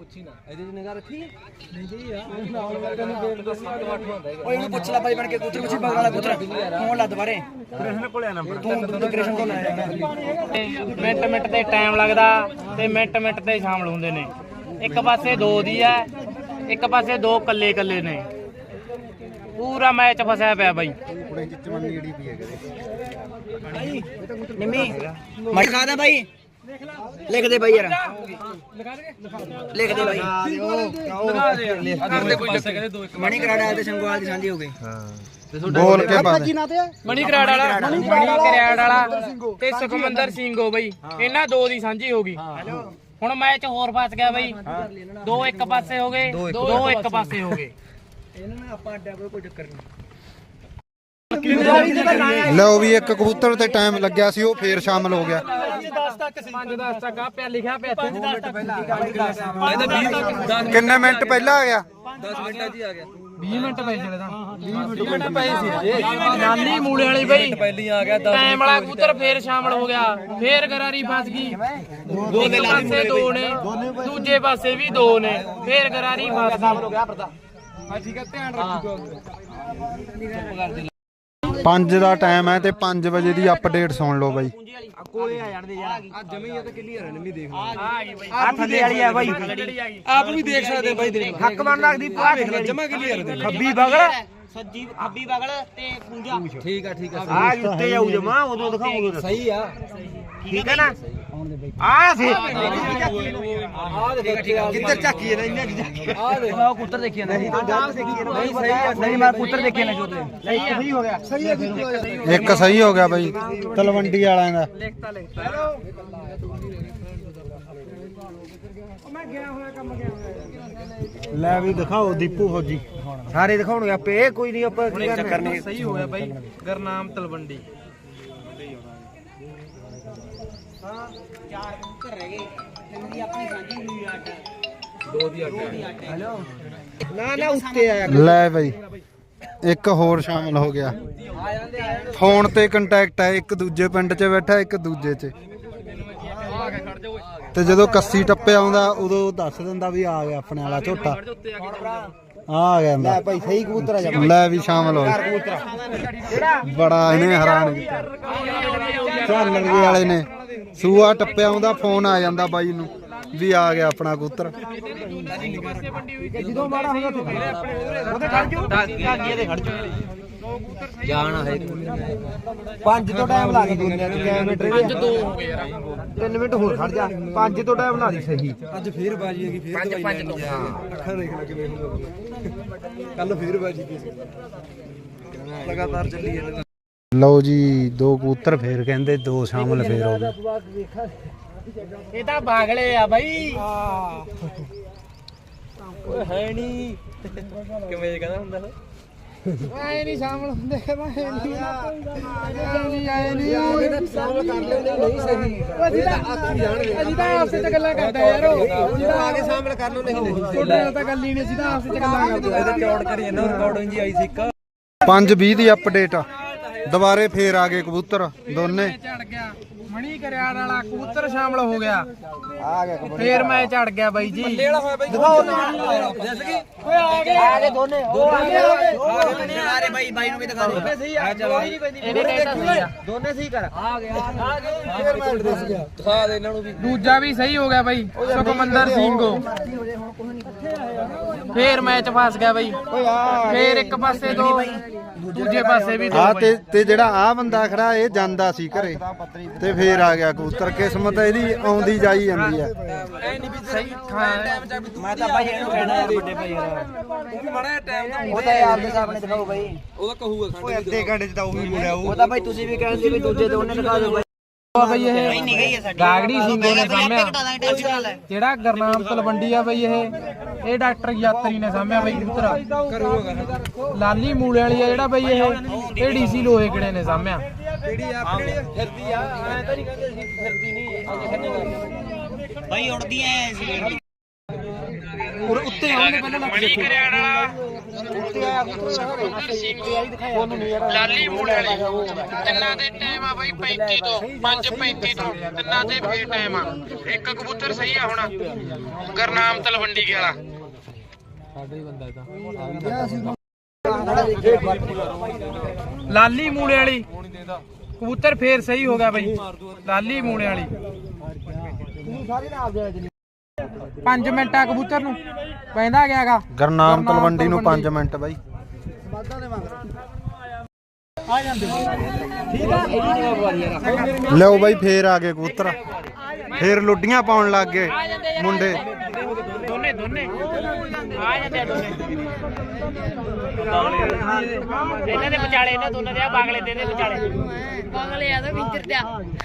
S4: ਓਏ ਉਹਨੂੰ ਪੁੱਛ ਲੈ ਬਾਈ ਬਣ ਕੇ ਕਬੂਤਰ ਪੁੱਛੀ ਬਗਲ ਵਾਲਾ ਕਬੂਤਰ ਫੋਨ ਲਾ ਦੁਬਾਰੇ ਕ੍ਰਿਸ਼ਨ ਕੋਲੇ ਆ ਨੰਬਰ ਤੂੰ ਕ੍ਰਿਸ਼ਨ ਕੋਲ ਆਇਆ
S3: ਮਿੰਟ ਮਿੰਟ ਤੇ ਟਾਈਮ ਲੱਗਦਾ ਤੇ ਮਿੰਟ ਮਿੰਟ ਤੇ ਸ਼ਾਮਲ ਹੁੰਦੇ ਨੇ ਇੱਕ ਪਾਸੇ ਦੋ ਦੀ ਆ ਇੱਕ ਪਾਸੇ ਦੋ ਕੱਲੇ ਕੱਲੇ ਨੇ ਪੂਰਾ ਮੈਚ ਫਸਿਆ ਪਿਆ ਬਾਈ
S4: ਨਿੰਮੀ ਮੈਂ ਖਾਦਾ ਬਾਈ ਲਿਖ ਦੇ ਬਾਈ ਯਾਰ ਲਿਖ ਦੇ ਬਾਈ ਮਣੀ ਕਰਾੜਾ ਤੇ ਸੰਗਵਾਲ ਦੀ ਸਾਂਝੀ ਹੋ ਗਈ
S1: ਬੋਲ ਕੇ ਪਾ ਦੇ
S3: ਮਣੀ ਕਰਾੜ ਵਾਲਾ ਤੇ ਸੁਖਮੰਦਰ ਸਿੰਘ ਹੋ ਬਈ ਇਹਨਾਂ ਦੋ ਦੀ ਸਾਂਝੀ ਹੋ ਗਈ ਹੁਣ ਮੈਚ ਹੋਰ ਫਸ ਗਿਆ ਬਈ ਦੋ ਇੱਕ ਪਾਸੇ ਹੋ ਗਏ ਦੋ ਇੱਕ ਪਾਸੇ ਹੋ ਗਏ
S4: ਆਪਾਂ ਅੱਡਾ ਕੋਈ ਚੱਕਰ ਨਹੀਂ
S1: ਲਓ ਵੀ ਇੱਕ ਕਬੂਤਰ ਤੇ ਟਾਈਮ ਲੱਗਿਆ ਸੀ ਉਹ ਫੇਰ ਸ਼ਾਮਲ ਹੋ ਗਿਆ
S3: 5-10 ਤੱਕ ਆ ਪਿਆ ਲਿਖਿਆ ਪਿਆ 2 ਮਿੰਟ ਪਹਿਲਾਂ
S1: ਕਿੰਨੇ ਮਿੰਟ ਪਹਿਲਾਂ ਆ ਗਿਆ
S2: 10 ਮਿੰਟਾਂ 'ਚ ਹੀ ਆ ਗਿਆ
S3: 20 ਮਿੰਟ ਪਏ ਚਲੇ ਤਾਂ 20 ਮਿੰਟ ਪਏ ਸੀ ਨਾਲੀ ਮੂਲੇ ਵਾਲੀ ਬਈ
S2: ਪਹਿਲੀ ਆ ਗਿਆ
S3: ਟਾਈਮ ਵਾਲਾ ਕਬੂਤਰ ਫੇਰ ਸ਼ਾਮਲ ਹੋ ਗਿਆ ਫੇਰ ਗਰਾਰੀ ਫਸ ਗਈ ਇੱਕ ਪਾਸੇ ਦੋ ਨੇ ਦੂਜੇ ਪਾਸੇ ਵੀ ਦੋ ਨੇ ਫੇਰ ਗਰਾਰੀ ਫਸ ਗਈ ਠੀਕ ਹੈ ਧਿਆਨ ਰੱਖੋ
S1: 5 ਦਾ ਟਾਈਮ ਹੈ ਤੇ 5 ਵਜੇ ਦੀ ਅਪਡੇਟ ਸੁਣ ਲਓ ਬਾਈ
S4: ਕੋਲੇ ਆ ਜਾਣਦੇ ਯਾਰ
S2: ਆ ਜਮੀ ਆ ਤਾਂ ਕਲੀਅਰ ਹੈ ਨਵੀਂ ਦੇਖ
S3: ਆ ਗਈ ਬਈ
S4: ਆ ਥੱਲੇ ਵਾਲੀ ਆ ਬਾਈ
S2: ਆਪ ਵੀ ਦੇਖ ਸਕਦੇ ਬਾਈ ਦੇਖ
S4: ਹੱਕ ਬਣ ਲੱਗਦੀ ਪੂਰਾ
S2: ਦੇਖ ਲੈ ਜਮਾ ਕਲੀਅਰ ਹੈ
S4: ਖੱਬੀ ਬਗਲ
S3: ਸੱਜੀ ਖੱਬੀ ਬਗਲ ਤੇ ਪੂੰਜਾ
S2: ਠੀਕ ਆ
S4: ਆ ਉੱਤੇ ਜਾਊ ਜਮਾ ਉਦੋਂ ਦਿਖਾਉਂਗਾ
S2: ਸਹੀ ਆ
S4: ਠੀਕ ਹੈ ਨਾ ਆ ਸੇ
S2: ਆ ਦੇਖ
S4: ਕਿੱਧਰ ਝਾਕੀ ਨਾ ਇੰਨੇ ਝਾਕੀ
S2: ਆ ਦੇਖ
S4: ਮੈਂ ਕਬੂਤਰ ਦੇਖੀ ਨਾ ਨਹੀਂ ਸਹੀ ਆ ਨਹੀਂ ਮੈਂ ਕਬੂਤਰ ਦੇਖੇ ਨਾ ਜੋਤੇ ਸਹੀ ਹੋ ਗਿਆ ਸਹੀ ਹੈ
S1: ਇੱਕ ਸਹੀ ਹੋ ਗਿਆ ਬਾਈ ਤਲਵੰਡੀ ਵਾਲਿਆਂ ਦਾ ਲੈ ਵੀ ਦਿਖਾਓ ਦੀਪੂ ਫੌਜੀ
S4: ਸਾਰੇ ਦਿਖਾਉਣਗੇ ਆਪੇ ਕੋਈ ਨਹੀਂ ਆਪਾਂ ਕੀ
S2: ਚੱਕਰ ਨਹੀਂ ਸਹੀ ਹੋ ਗਿਆ ਬਾਈ ਗਰਨਾਮ ਤਲਵੰਡੀ
S3: ਚਾਰ ਕਬੂਤਰ ਰਹਿ ਗਏ ਤਿੰਨ ਦੀ ਆਪਣੀ ਸਾਂਝੀ ਹੋਈ ਅੱਡ
S2: ਦੋ ਦੀ ਅੱਡ
S4: ਹੈਲੋ ਨਾ ਉੱਤੇ ਆਇਆ
S1: ਲੈ ਬਾਈ ਇੱਕ ਹੋਰ ਸ਼ਾਮਲ ਹੋ ਗਿਆ ਫੋਨ ਤੇ ਕੰਟੈਕਟ ਹੈ ਇੱਕ ਦੂਜੇ ਪਿੰਡ 'ਚ ਬੈਠਾ ਇੱਕ ਦੂਜੇ 'ਚ ਤੇ ਜਦੋਂ ਕੱਸੀ ਟੱਪੇ ਆਉਂਦਾ ਉਦੋਂ ਦੱਸ ਦਿੰਦਾ ਵੀ ਆ ਗਿਆ ਆਪਣੇ ਵਾਲਾ ਝੋਟਾ ਆ ਗਿਆ
S4: ਲੈ ਭਾਈ ਸਹੀ ਕਬੂਤਰ ਆ ਜਾ
S1: ਲੈ ਵੀ ਸ਼ਾਮਲ ਹੋ ਬੜਾ ਇਹਨੇ ਹੈਰਾਨ ਕੀਤਾ ਝਾਲਣਗੇ ਵਾਲੇ ਨੇ ਸੂਆ ਟੱਪਿਆ ਆਉਂਦਾ ਫੋਨ ਆ ਜਾਂਦਾ ਬਾਈ ਨੂੰ ਵੀ ਆ ਗਿਆ ਆਪਣਾ ਕਬੂਤਰ
S4: ਜਦੋਂ ਮਾੜਾ ਹੁੰਦਾ ਉਹਦੇ ਖੜ ਜਾਓ ਇਹਦੇ ਖੜ ਜਾਓ
S2: ਜਾਣਾ ਹੈ
S4: 5 ਤੋਂ ਟਾਈਮ ਲਾ ਦੇ ਦੁਨੀਆ ਚ ਕਿਲੋਮੀਟਰ ਇਹਦੇ
S3: 2 ਹੋ ਗਏ ਯਾਰ
S4: 3 ਮਿੰਟ ਹੋਰ ਖੜ ਜਾ 5 ਤੋਂ ਟਾਈਮ ਲਾ ਦੀ ਸਹੀ
S2: ਅੱਜ ਫੇਰ ਬਾਜੀ ਹੈਗੀ ਫੇਰ
S3: 5 ਤੋਂ
S2: ਅੱਖਾਂ ਦੇਖ ਲੈ ਕਿਵੇਂ ਹੋਊਗਾ ਕੱਲ ਫੇਰ ਬਾਜੀ ਕੀ ਲਗਾਤਾਰ ਚੱਲੀ ਜਾਂਦਾ
S1: ਲਓ ਜੀ 2 ਕਬੂਤਰ ਫੇਰ ਕਹਿੰਦੇ 2 ਸ਼ਾਮਲ ਫੇਰ ਹੋ ਗਏ
S3: ਇਹ ਤਾਂ ਬਾਗਲੇ ਆ ਬਾਈ
S2: ਓਏ ਹੈ ਨਹੀਂ ਕਿਵੇਂ ਕਹਿੰਦਾ ਹੁੰਦਾ
S3: ਆਏ ਨਹੀਂ ਸ਼ਾਮਲ ਹੁੰਦੇ ਆਏ ਨਹੀਂ
S4: ਸ਼ਾਮਲ ਕਰ ਲੈਂਦੇ ਨਹੀਂ ਸਹੀ
S3: ਅਸੀਂ ਤਾਂ ਆਪਸ ਵਿੱਚ ਗੱਲਾਂ ਕਰਦਾ ਯਾਰ
S4: ਆ ਕੇ ਸ਼ਾਮਲ ਕਰ ਲਓ ਨਹੀਂ
S3: ਤੁਹਾਡੇ ਨਾਲ ਤਾਂ ਗੱਲ ਹੀ ਨਹੀਂ ਸੀ ਤਾਂ ਆਪਸ ਵਿੱਚ ਗੱਲਾਂ ਕਰਦੇ
S2: ਇਹਦੇ ਰਿਕਾਰਡ ਕਰੀ ਜਾਂਦਾ ਰਿਕਾਰਡਿੰਗ ਜੀ ਆਈ ਸੀ ਇੱਕ
S1: 5:20 ਦੀ ਅਪਡੇਟ ਦੁਬਾਰੇ ਫੇਰ ਆ ਗਏ ਕਬੂਤਰ ਦੋਨੇ
S3: ਝੜ ਗਿਆ
S2: ਮਣੀ ਕਰਿਆੜ ਵਾਲਾ ਕਬੂਤਰ ਸ਼ਾਮਲ ਹੋ ਗਿਆ।
S4: ਆ ਗਿਆ
S2: ਫੇਰ ਮੈਂ ਚੜ ਗਿਆ ਬਾਈ ਜੀ।
S4: ਦਿਖਾਓ ਦੱਸ ਕੀ ਓਏ ਆ ਗਏ ਦੋਨੇ ਉਹ ਆ ਗਏ ਸਾਰੇ ਬਾਈ ਬਾਈ ਨੂੰ ਵੀ ਦਿਖਾ ਦੇ ਸਹੀ ਆ
S2: ਇਹਨੇ ਕਹਿਤਾ ਸਹੀ ਆ।
S4: ਦੋਨੇ ਸਹੀ ਕਰ ਆ ਗਏ ਫੇਰ ਮੈਂ ਦੱਸ ਗਿਆ ਦਿਖਾ ਦੇ ਇਹਨਾਂ ਨੂੰ ਵੀ।
S2: ਦੂਜਾ ਵੀ ਸਹੀ ਹੋ ਗਿਆ ਬਾਈ ਸੁਖਮੰਦਰ ਸਿੰਘੋ। ਫੇਰ ਮੈਚ ਫਸ ਗਿਆ ਬਾਈ। ਫੇਰ ਇੱਕ ਪਾਸੇ ਦੋ ਦੂਜੇ ਪਾਸੇ ਵੀ ਦੋ
S1: ਆ
S2: ਬਾਈ।
S1: ਤੇ ਜਿਹੜਾ ਆ ਬੰਦਾ ਖੜਾ ਇਹ ਜਾਂਦਾ ਸੀ ਘਰੇ ਤੇ ਫੇਰ ਆ ਗਿਆ ਕਬੂਤਰ। ਕਿਸਮਤ ਇਹਦੀ ਆਉਂਦੀ ਜਾਈ ਜਾਂਦੀ ਆ।
S2: ਸਹੀ ਹਾਂ
S4: ਮੈਂ ਤਾਂ ਭਾਈ ਇਹਨੂੰ ਕਹਿਣਾ ਯਾਰ ਵੱਡੇ ਭਾਈ ਯਾਰ ਉਹ ਵੀ ਮਾੜਾ ਟਾਈਮ ਉਹ ਤਾਂ ਯਾਰ ਦੇ ਸਾਹਮਣੇ ਦਿਖਾਓ ਬਾਈ। ਉਹਦਾ ਕਹੂਗਾ ਓਏ ਅੱਧੇ ਘੰਟੇ ਚ ਤਾਂ ਉਹ ਵੀ ਮੁੜਿਆ ਉਹ ਤਾਂ ਭਾਈ ਤੁਸੀਂ ਵੀ ਕਹਿੰਦੇ ਵੀ ਦੂਜੇ ਤੇ ਉਹਨੇ ਦਿਖਾ ਦਿਓ ਬਾਈ।
S2: ਬਈ ਇਹ ਗਾਗੜੀ ਸਿੰਘੋ ਨੇ ਸਾਹਮਿਆ। ਜਿਹੜਾ ਗਰਨਾਮ ਤਲਵੰਡੀ ਆ ਬਈ ਇਹ ਡਾਕਟਰ ਯਾਤਰੀ ਨੇ ਸਾਹਮਿਆ ਬਈ ਕਬੂਤਰ। ਲਾਲੀ ਮੂਲੇ ਵਾਲੀ ਆ ਜਿਹੜਾ ਬਈ ਇਹ ਡੀਸੀ ਲੋਹੇ ਕਿਹੜੇ ਨੇ ਸਾਹਮਿਆ।
S4: ਜਿਹੜੀ ਆਪਣੀ ਫਿਰਦੀ ਆ ਐ ਤਾਂ ਨਹੀਂ ਕਹਿੰਦੇ ਸੀ ਫਿਰਦੀ ਨਹੀਂ ਭਾਈ ਉੜਦੀ ਐ ਸੀ ਔਰ ਉੱਤੇ ਆਉਣਗੇ ਪਹਿਲਾਂ ਲੱਗ
S2: ਮਣੀ ਕਰਿਆੜ ਵਾਲਾ
S4: ਉੱਤੇ ਆਇਆ
S2: ਲਾਲੀ ਮੂਲੇ ਵਾਲੀ ਤਿੰਨਾਂ ਦੇ ਟਾਈਮ ਆ ਬਈ 35 ਤੋਂ 5:35 ਤੋਂ ਤਿੰਨਾਂ ਦੇ ਫੇਰ ਟਾਈਮ ਆ। ਇੱਕ ਕਬੂਤਰ ਸਹੀ ਆ ਹੁਣ ਗਰਨਾਮ ਤਲਵੰਡੀ ਵਾਲਾ। ਲਾਲੀ ਮੂਲੇ ਵਾਲੀ ਕਬੂਤਰ ਫੇਰ ਸਹੀ ਹੋ ਗਿਆ ਬਈ। ਲਾਲੀ ਮੂਲੇ ਵਾਲੀ 5 ਮਿੰਟਾਂ ਕਬੂਤਰ ਨੂੰ ਪੈਂਦਾ ਗਿਆਗਾ।
S1: ਗਰਨਾਮ ਤਲਵੰਡੀ ਨੂੰ 5 ਮਿੰਟ ਬਾਈ। ਲਿਓ ਬਾਈ ਫੇਰ ਆ ਗਏ ਕਬੂਤਰ। ਫੇਰ ਲੁੱਡੀਆਂ ਪਾਉਣ ਲੱਗ ਗਏ ਮੁੰਡੇ।
S2: ਦੋਨੇ ਆ ਜਾਂਦੇ ਦੋਨੇ ਇਹਨਾਂ ਦੇ ਵਿਚਾਲੇ ਇਹਨਾਂ ਦੋਨਾਂ ਦੇ ਆ ਬਾਗਲੇ ਦੇ ਵਿਚਾਲੇ।
S5: ਪਾਗਲੇ ਆ ਤਾਂ ਵਿਚਰ ਦਿਆ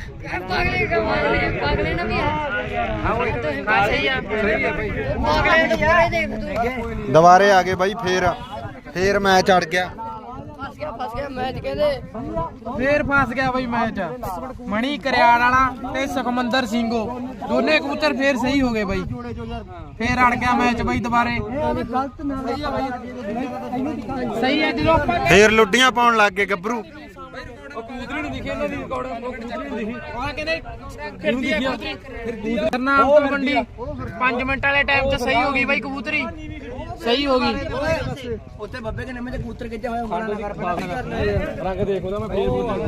S5: ਪਾਗਲੇ ਨਾ ਵੀ ਆ
S2: ਸਹੀ ਆ
S5: ਪਾਗਲੇ ਨੂੰ ਪੂਰੇ ਦੇਖ ਤੂੰ
S1: ਦੁਬਾਰੇ ਆ ਗਏ ਬਾਈ। ਫੇਰ ਮੈਂ ਚੜ ਗਿਆ।
S5: ਫਸ ਗਿਆ ਮੈਚ ਕਹਿੰਦੇ
S2: ਫੇਰ ਫਸ ਗਿਆ ਬਈ ਮੈਚ। ਮਣੀ ਕਰਿਆੜ ਵਾਲਾ ਤੇ ਸੁਖਮੰਦਰ ਸਿੰਘੋ ਦੋਨੇ ਕਬੂਤਰ ਫੇਰ ਸਹੀ ਹੋ ਗਏ ਬਈ। ਫੇਰ ਅੜ ਗਿਆ ਮੈਚ ਬਈ ਦੁਬਾਰੇ। ਸਹੀ ਹੈ ਜਦੋਂ
S1: ਫੇਰ ਲੁੱਡੀਆਂ ਪਾਉਣ ਲੱਗ ਗਏ ਗੱਭਰੂ।
S2: ਗਰਨਾਮ ਤਲਵੰਡੀ 5 ਮਿੰਟ ਵਾਲੇ ਟਾਈਮ 'ਚ ਸਹੀ ਹੋ ਗਈ ਬਈ ਕਬੂਤਰੀ। ਸਹੀ ਹੋ ਗਈ।
S4: ਉੱਤੇ ਬੱਬੇ ਦੇ ਨਵੇਂ ਤੇ ਕਬੂਤਰ ਕਿੱਥੇ ਹੋਇਆ
S2: ਰੰਗ ਦੇਖ ਉਹਦਾ ਮੈਂ ਫੇਰ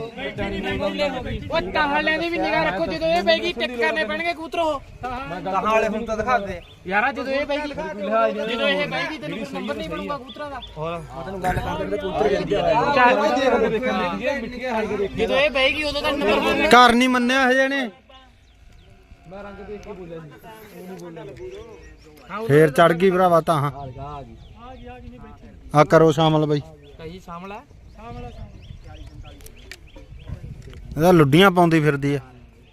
S2: ਉਹ ਤਾਹਲਿਆਂ ਦੀ ਵੀ ਨਿਗਾਹ ਰੱਖੋ। ਜਦੋਂ ਇਹ ਬੈਗੀ ਟਿਕ ਕਰਨੇ ਪੈਣਗੇ ਕਬੂਤਰ। ਉਹ
S4: ਕਹਾਂ ਵਾਲੇ ਹੁਣ ਤਾਂ ਦਿਖਾ ਦੇ
S2: ਯਾਰਾ ਜਦੋਂ ਇਹ ਬੈਗੀ ਜਦੋਂ ਇਹ ਬੈਗੀ ਤੈਨੂੰ ਕੋਈ ਨੰਬਰ ਨਹੀਂ ਬਣੂਗਾ ਕਬੂਤਰਾਂ ਦਾ।
S4: ਹੋਰ ਮੈਂ ਤੈਨੂੰ ਗੱਲ ਕਰਦੇ ਕਬੂਤਰ ਕਿੱਥੇ ਹੋਇਆ
S2: ਜਦੋਂ ਇਹ ਬੈਗੀ ਉਦੋਂ ਤਾਂ ਨੰਬਰ ਬਣੂਗਾ।
S1: ਘਰ ਨਹੀਂ ਮੰਨਿਆ ਹਜੇ ਨੇ। ਫੇਰ ਚੜ ਗਈ ਭਰਾਵਾ ਤਾਂ ਆ ਕਰੋ ਸ਼ਾਮਲ ਬਈ।
S2: ਕਹੀ ਸਾਹਮਣਾ
S1: ਇਹਦਾ ਲੁੱਡੀਆਂ ਪਾਉਂਦੀ ਫਿਰਦੀ ਆ।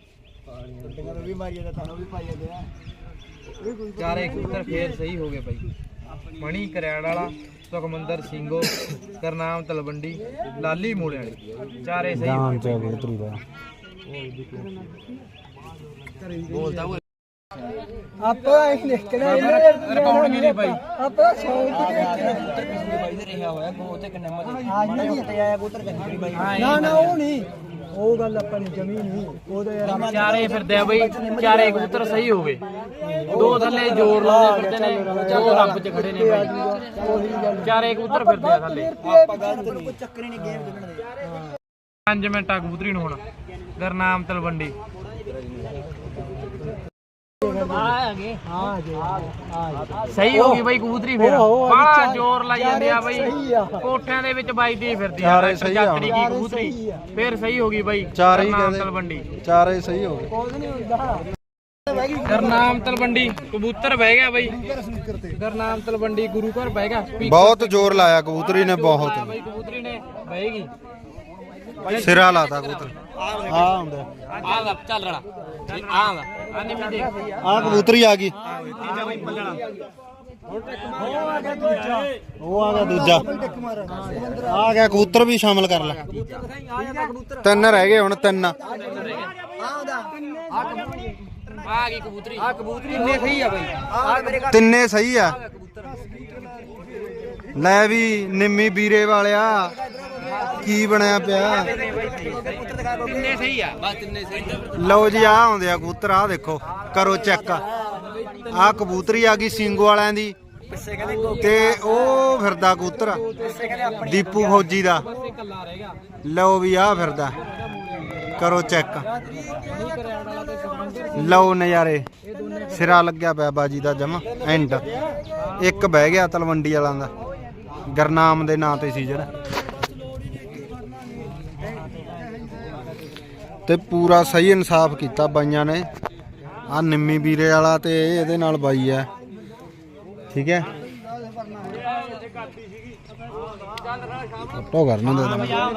S2: ਚਾਰੇ ਕਬੂਤਰ ਫੇਰ ਸਹੀ ਹੋ ਗਏ ਬਾਈ। ਮਣੀ ਕਰਿਆੜ ਵਾਲਾ ਸੁਖਮੰਦਰ ਸਿੰਘੋ ਗਰਨਾਮ ਤਲਵੰਡੀ ਲਾਲੀ ਮੂਲੇ ਵਾਲੀ ਚਾਰੇ ਸਹੀ ਹੋ ਗਏ।
S1: ਕਬੂਤਰੀ ਦਾ
S2: ਬੋਲਦਾ ਉਹ
S4: ਆਪਾਂ ਇਹ ਦੇਖਣਾ
S2: ਰਿਕਾਰਡ ਵੀ ਨਹੀਂ ਬਾਈ।
S4: ਆਪਾਂ ਸੌਂਕ ਬਾਈ ਦੇ ਰਿਹਾ ਹੋਇਆ ਕੋ ਉੱਤੇ ਕਿੰਨੇ ਮਜ਼ੇ ਆ ਨਹੀਂ ਉੱਤੇ ਆਇਆ ਕਬੂਤਰ ਕੰਨੀ ਬਾਈ ਨਾ ਉਹ ਨਹੀਂ ਉਹ ਗੱਲ ਆਪਾਂ ਨੇ ਜਮੀ ਨਹੀਂ ਉਹਦੇ ਯਾਰ
S2: ਚਾਰੇ ਫਿਰਦੇ ਆ ਬਈ। ਚਾਰੇ ਕਬੂਤਰ ਸਹੀ ਹੋ ਗਏ। ਦੋ ਥੱਲੇ ਜ਼ੋਰ ਲਾਉਂਦੇ ਫਿਰਦੇ ਨੇ। ਦੋ ਰੱਬ 'ਚ ਖੜੇ ਨੇ ਬਾਈ। ਚਾਰੇ ਕਬੂਤਰ ਫਿਰਦੇ ਆ ਥੱਲੇ।
S4: ਆਪਾਂ ਗੱਲ ਤੈਨੂੰ ਕੋਈ ਚੱਕਰ ਹੀ ਨਹੀਂ ਗੇਮ ਜਿੱਤਣ ਦੇ।
S2: 5 ਮਿੰਟਾਂ ਕਬੂਤਰੀ ਨੂੰ ਹੁਣ ਗਰਨਾਮ ਤਲਵੰਡੀ ਸਹੀ ਹੋ ਗਈ ਬਾਈ ਕਬੂਤਰੀ। ਫੇਰ ਬੜਾ ਜ਼ੋਰ ਲਾਈ ਜਾਂਦੇ ਆ ਬਾਈ। ਕੋਠਿਆਂ ਦੇ ਵਿੱਚ ਵੱਜਦੀ ਫਿਰਦੀ ਆ
S1: ਚਾਰੇ ਸਹੀ ਆ
S2: ਯਾਤਰੀ ਕੀ ਕਬੂਤਰੀ। ਫੇਰ ਸਹੀ ਹੋ ਗਈ ਬਾਈ
S1: ਚਾਰੇ ਹੀ
S2: ਗਰਨਾਮ
S1: ਕਹਿੰਦੇ।
S2: ਤਲਵੰਡੀ।
S1: ਚਾਰੇ ਸਹੀ ਹੋ ਗਏ।
S2: ਗਰਨਾਮ ਤਲਵੰਡੀ ਕਬੂਤਰ ਬਹਿ ਗਿਆ ਬਾਈ। ਗਰਨਾਮ ਤਲਵੰਡੀ ਗੁਰੂ ਘਰ ਬਹਿ ਗਿਆ।
S1: ਬਹੁਤ ਜ਼ੋਰ ਲਾਇਆ ਕਬੂਤਰੀ ਨੇ ਬਹੁਤ।
S2: ਬਾਈ ਕਬੂਤਰੀ ਨੇ ਬਹਿਗੀ।
S1: ਸਿਰਾ ਲਾਤਾ ਕਬੂਤਰ। ਆ ਹੁੰਦਾ
S2: ਆ ਚੱਲ ਰੜਾ ਆ ਨਹੀਂ ਵੀ ਦੇਖ
S1: ਆ ਕਬੂਤਰੀ ਆ ਗਈ। ਉਹ ਆ ਗਿਆ ਦੂਜਾ। ਆ ਗਿਆ ਕਬੂਤਰ ਵੀ ਸ਼ਾਮਲ ਕਰ ਲੈ। 3 ਰਹਿ ਗਏ ਹੁਣ 3।
S2: ਆ ਗਈ ਕਬੂਤਰੀ।
S4: ਆ ਕਬੂਤਰੀ ਇੰਨੇ ਸਹੀ ਆ ਬਾਈ ਆ ਮੇਰੇ ਘਰ
S1: ਤਿੰਨੇ ਸਹੀ ਆ। ਲੈ ਵੀ ਨਿੰਮੀ ਵੀਰੇ ਵਾਲਿਆ ਕੀ ਬਣਿਆ ਪਿਆ?
S3: ਤਿੰਨੇ ਸਹੀ ਆ ਬਸ ਤਿੰਨੇ ਸਹੀ।
S1: ਲਓ ਜੀ ਆ ਆਉਂਦੇ ਆ ਕਬੂਤਰ, ਆ ਦੇਖੋ ਕਰੋ ਚੈੱਕ। ਆ ਕਬੂਤਰੀ ਆ ਗਈ ਸਿੰਘੂ ਵਾਲਿਆਂ ਦੀ ਤੇ ਉਹ ਫਿਰਦਾ ਕਬੂਤਰ ਦੀਪੂ ਫੌਜੀ ਦਾ। ਲਓ ਵੀ ਆ ਫਿਰਦਾ, ਕਰੋ ਚੈੱਕ। ਲਓ ਨਜ਼ਾਰੇ, ਸਿਰਾ ਲੱਗਿਆ ਪਿਆ ਬਾਜੀ ਦਾ ਜਮਾ ਐਂਡ। ਇੱਕ ਬਹਿ ਗਿਆ ਤਲਵੰਡੀ ਵਾਲਾਂ ਦਾ, ਗਰਨਾਮ ਦੇ ਨਾਂ ਤੇ ਸੀ ਜਿਹੜਾ। ਤੇ ਪੂਰਾ ਸਹੀ ਇਨਸਾਫ ਕੀਤਾ ਬਾਈਆਂ ਨੇ। ਆ ਨਿੰਮੀ ਵੀਰੇ ਵਾਲਾ ਤੇ ਇਹਦੇ ਨਾਲ ਬਾਈ ਹੈ, ਠੀਕ ਹੈ। ਫੋਟੋ ਕਰਨਾ ਦੇ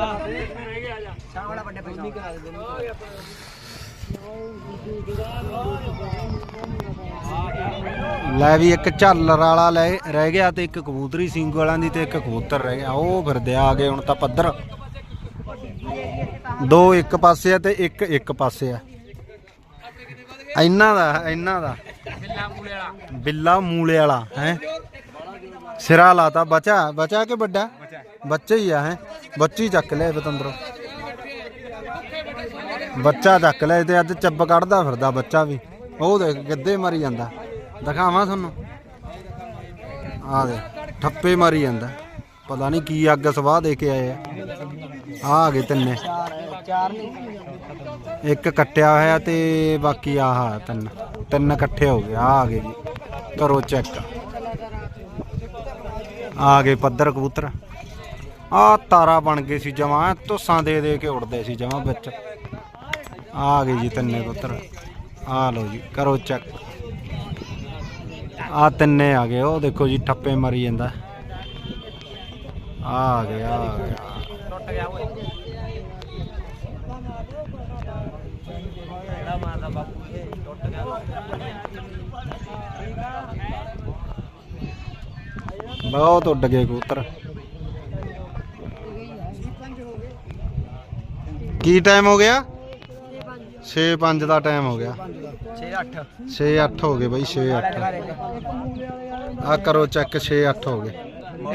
S1: ਲੈ ਵੀ ਇੱਕ ਝਾਲਰ ਵਾਲਾ ਰਹਿ ਗਿਆ ਤੇ ਇੱਕ ਕਬੂਤਰੀ ਸਿੰਘੂ ਵਾਲਿਆਂ ਦੀ ਤੇ ਇੱਕ ਕਬੂਤਰ ਰਹਿ ਗਿਆ। ਉਹ ਫਿਰਦੇ ਆ ਗਏ ਹੁਣ ਤਾਂ ਪੱਧਰ। ਦੋ ਇੱਕ ਪਾਸੇ ਆ ਤੇ ਇੱਕ ਪਾਸੇ ਆ। ਇਹਨਾਂ ਦਾ ਬਿੱਲਾ ਮੂਲੇ ਵਾਲਾ ਹੈ। ਸਿਰਾ ਲਾਤਾ। ਬਚਾ ਕੇ ਵੱਡਾ ਬੱਚਾ ਹੀ ਆ ਹੈ। ਬੱਚੀ ਚੱਕ ਲਿਆ ਬਤੰਦਰੋਂ, ਬੱਚਾ ਚੱਕ ਲਿਆ ਤੇ ਅੱਜ ਚੱਬ ਕੱਢਦਾ ਫਿਰਦਾ ਬੱਚਾ ਵੀ। ਉਹ ਦੇਖ ਗਿੱਧੇ ਮਾਰੀ ਜਾਂਦਾ, ਦਿਖਾਵਾਂ ਤੁਹਾਨੂੰ। ਆ ਦੇ ਠੱਪੇ ਮਾਰੀ ਜਾਂਦਾ, ਪਤਾ ਨਹੀਂ ਕੀ ਅੱਗ ਸਵਾਹ ਦੇ ਕੇ ਆਏ ਆ ਗਏ ਤਿੰਨੇ। ਇੱਕ ਕੱਟਿਆ ਹੋਇਆ ਤੇ ਬਾਕੀ ਆਹ ਤਿੰਨ ਇਕੱਠੇ ਹੋ ਗਏ। ਆ ਗਏ ਜੀ, ਕਰੋ ਚੈੱਕ। ਆ ਗਏ ਪੱਧਰ ਕਬੂਤਰ। ਆ ਤਾਰਾ ਬਣ ਗਏ ਸੀ ਜਮਾਂ, ਧੁੱਸਾਂ ਦੇ ਕੇ ਉੜਦੇ ਸੀ ਜਮਾਂ ਵਿੱਚ। ਆ ਗਏ ਜੀ ਤਿੰਨੇ ਕਬੂਤਰ। ਆ ਲਓ ਜੀ, ਕਰੋ ਚੈੱਕ। ਆ ਤਿੰਨੇ ਆ ਗਏ। ਉਹ ਦੇਖੋ ਜੀ ਠੱਪੇ ਮਾਰੀ ਜਾਂਦਾ। ਆ ਗਿਆ ਟੁੱਟ ਗਿਆ ਓਏ। ਕਿਹੜਾ ਮਾਰਦਾ ਬਾਪੂ ਇਹ ਟੁੱਟ ਗਿਆ। ਬਹੁਤ ਉੱਡ ਗਏ ਕਬੂਤਰ। ਕੀ ਟਾਈਮ ਹੋ ਗਿਆ? 6:05 ਦਾ ਟਾਈਮ ਹੋ ਗਿਆ। 6:08 ਹੋ ਗਏ ਬਾਈ, 6:08। ਆ ਕਰੋ ਚੈੱਕ, 6:08 ਹੋ ਗਏ।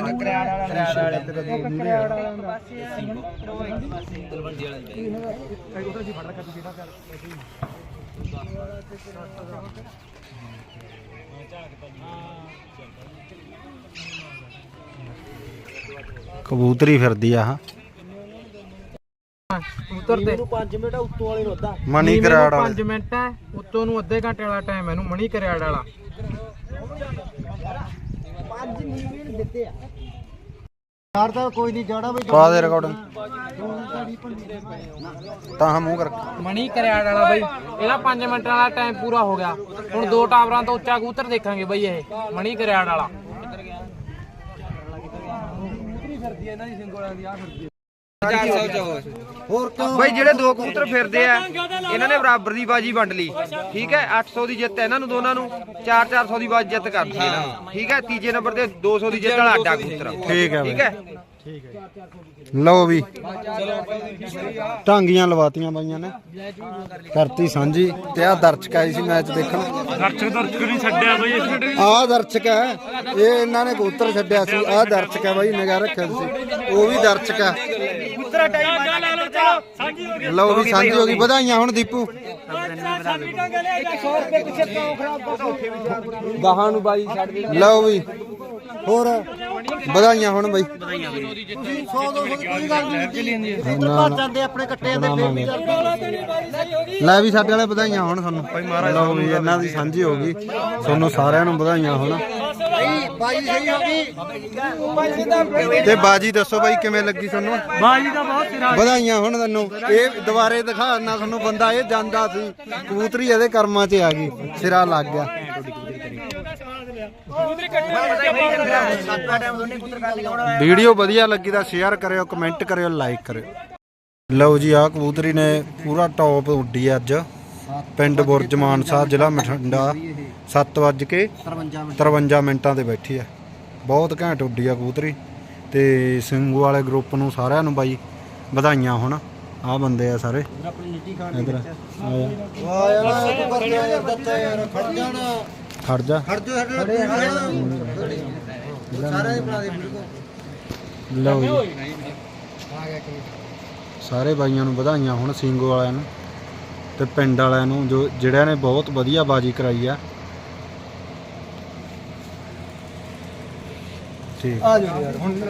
S1: ਕਬੂਤਰੀ ਫਿਰਦੀ ਆ
S2: ਕਬੂਤਰ ਤੇ
S4: 5 ਮਿੰਟ ਉੱਤੋਂ ਵਾਲੇ ਨੂੰ ਅੱਧਾ
S1: ਮਣੀ ਕਰਾੜ
S2: 5 ਮਿੰਟ ਹੈ, ਉੱਤੋਂ ਨੂੰ ਅੱਧੇ ਘੰਟੇ ਵਾਲਾ ਟਾਈਮ ਇਹਨੂੰ ਮਣੀ ਕਰਿਆੜ ਵਾਲਾ।
S4: 5 ਮਿੰਟ ਦਿੱਤੇ ਆ ਯਾਰ। ਤਾਂ ਕੋਈ ਨਹੀਂ ਜਾਣਾ ਬਈ,
S1: ਪਾ ਦੇ ਰਿਕਾਰਡਿੰਗ ਤਾਂ ਮੂੰਹ ਕਰ।
S2: ਮਣੀ ਕਰਿਆੜ ਵਾਲਾ ਬਈ, ਇਹਦਾ 5 ਮਿੰਟ ਵਾਲਾ ਟਾਈਮ ਪੂਰਾ ਹੋ ਗਿਆ। ਹੁਣ 2 ਟਾਵਰਾਂ ਤੋਂ ਉੱਚਾ ਕਬੂਤਰ ਦੇਖਾਂਗੇ ਬਈ ਇਹ ਮਣੀ ਕਰਿਆੜ ਵਾਲਾ।
S4: ਹੋਰ ਕਿਉਂ
S2: ਬਈ ਜਿਹੜੇ 2 ਕਬੂਤਰ ਫਿਰਦੇ ਆ ਇਹਨਾਂ ਨੇ ਬਰਾਬਰ ਦੀ ਬਾਜੀ ਵੰਡ ਲਈ, ਠੀਕ ਹੈ। 800 ਦੀ ਜਿੱਤ ਇਹਨਾਂ ਨੂੰ ਦੋਨਾਂ ਨੂੰ, 400 ਦੀ ਬਾਜੀ ਜਿੱਤ ਕਰਦੀ ਇਹਨਾਂ ਨੂੰ, ਠੀਕ ਹੈ। ਤੀਜੇ ਨੰਬਰ ਤੇ 200 ਦੀ ਜਿੱਤ ਵਾਲਾ ਅੱਡਾ ਕਬੂਤਰ,
S1: ਠੀਕ ਹੈ।
S2: ਠੀਕ ਹੈ।
S1: ਲਓ ਵੀ ਟਾਂਗੀਆਂ ਲਵਾਤੀਆਂ ਬਾਈਆਂ ਨੇ, ਕਰਤੀ ਸਾਂਝੀ। ਤੇ ਆ ਦਰਸ਼ਕ ਆਈ ਸੀ ਮੈਚ ਦੇਖਣ।
S3: ਦਰਸ਼ਕ ਨਹੀਂ ਛੱਡਿਆ ਬਈ।
S1: ਆ ਦਰਸ਼ਕ ਹੈ, ਇਹ ਇਹਨਾਂ ਨੇ ਕਬੂਤਰ ਛੱਡਿਆ ਸੀ। ਆ ਦਰਸ਼ਕ ਹੈ ਬਾਈ, ਨਿਗਾਹ ਰੱਖਿਆ ਸੀ। ਉਹ ਵੀ ਦਰਸ਼ਕ ਹੈ। ਲਓ ਵੀ ਸਾਂਝੀ ਹੋ ਗਈ। ਵਧਾਈਆਂ ਹੁਣ ਦੀਪੂ
S2: ਗਾਹਾਂ ਨੂੰ ਬਾਜੀ ਛੱਡ ਦੇ।
S1: ਲਓ ਵੀ ਹੋਰ ਵਧਾਈਆਂ ਹੁਣ ਬਾਈ।
S4: 100-200 ਦੀ ਕੋਈ ਗੱਲ ਨਹੀਂ। ਇੱਧਰ ਭੱਜ ਜਾਂਦੇ ਆਪਣੇ ਕੱਟਿਆਂ ਦੇ ਫੇਰ ਵੀ
S1: ਲੈ ਵੀ ਸਾਡੇ ਵਾਲੇ ਵਧਾਈਆਂ ਹੁਣ ਤੁਹਾਨੂੰ। ਲਓ ਵੀ ਇਹਨਾਂ ਦੀ ਸਾਂਝੀ ਹੋ ਗਈ, ਤੁਹਾਨੂੰ ਸਾਰਿਆਂ ਨੂੰ ਵਧਾਈਆਂ ਹੁਣ।
S4: ਬਾਜੀ ਸਹੀ ਹੋ ਗਈ।
S1: ਤੇ ਬਾਜੀ ਦੱਸੋ ਬਾਈ ਕਿਵੇਂ ਲੱਗੀ ਤੁਹਾਨੂੰ?
S3: ਬਾਜੀ ਦਾ ਬਹੁਤ ਸਿਰਾ।
S1: ਵਧਾਈਆਂ ਹੁਣ ਤੈਨੂੰ। ਇਹ ਦੁਬਾਰੇ ਦਿਖਾਣਾ ਤੁਹਾਨੂੰ ਬੰਦਾ, ਇਹ ਜਾਂਦਾ ਸੀ ਕਬੂਤਰੀ ਇਹਦੇ ਕਰਮਾਂ 'ਚ ਆ ਗਈ, ਸਿਰਾ ਲੱਗ ਗਿਆ। ਵੀਡੀਓ ਵਧੀਆ ਲੱਗੀ ਤਾਂ ਸ਼ੇਅਰ ਕਰਿਓ, ਕਮੈਂਟ ਕਰਿਓ, ਲਾਈਕ ਕਰਿਓ। ਲਓ ਜੀ ਆ ਕਬੂਤਰੀ ਨੇ ਪੂਰਾ ਟੌਪ ਉੱਡੀ ਅੱਜ ਪਿੰਡ ਬੁਰਜ ਮਾਨਸਾ, ਜ਼ਿਲ੍ਹਾ ਬਠਿੰਡਾ। 7:53 ਮਿੰਟਾਂ ਤੇ ਬੈਠੀ ਆ। ਬਹੁਤ ਘੈਂਟ ਉੱਡੀ ਆ ਕਬੂਤਰੀ। ਤੇ ਸਿੰਘੂ ਵਾਲੇ ਗਰੁੱਪ ਨੂੰ ਸਾਰਿਆਂ ਨੂੰ ਬਾਈ ਵਧਾਈਆਂ ਹੁਣ। ਆ ਬੰਦੇ ਆ ਸਾਰੇ ਇਧਰ।
S4: ਵਾਹ ਯਾਰ ਤੂੰ ਕਰ ਯਾਰ ਦੱਤਾ ਯਾਰ। ਖੜ ਜਾਣਾ,
S1: ਖੜ ਜਾ।
S4: ਖੜ ਜਾ ਸਾਰਿਆਂ ਦੇ ਬਣਾ ਦੇ ਵੀਡੀਓ।
S1: ਲਓ ਜੀ ਸਾਰੇ ਬਾਈਆਂ ਨੂੰ ਵਧਾਈਆਂ ਹੁਣ ਸਿੰਗੋ ਵਾਲਿਆਂ ਨੂੰ ਤੇ ਪਿੰਡ ਵਾਲਿਆਂ ਨੂੰ ਜੋ ਜਿਹੜਿਆਂ ਨੇ ਬਹੁਤ ਵਧੀਆ ਬਾਜੀ ਕਰਾਈ ਆ। ਠੀਕ
S4: ਆ ਜਾਓ ਯਾਰ ਹੁਣ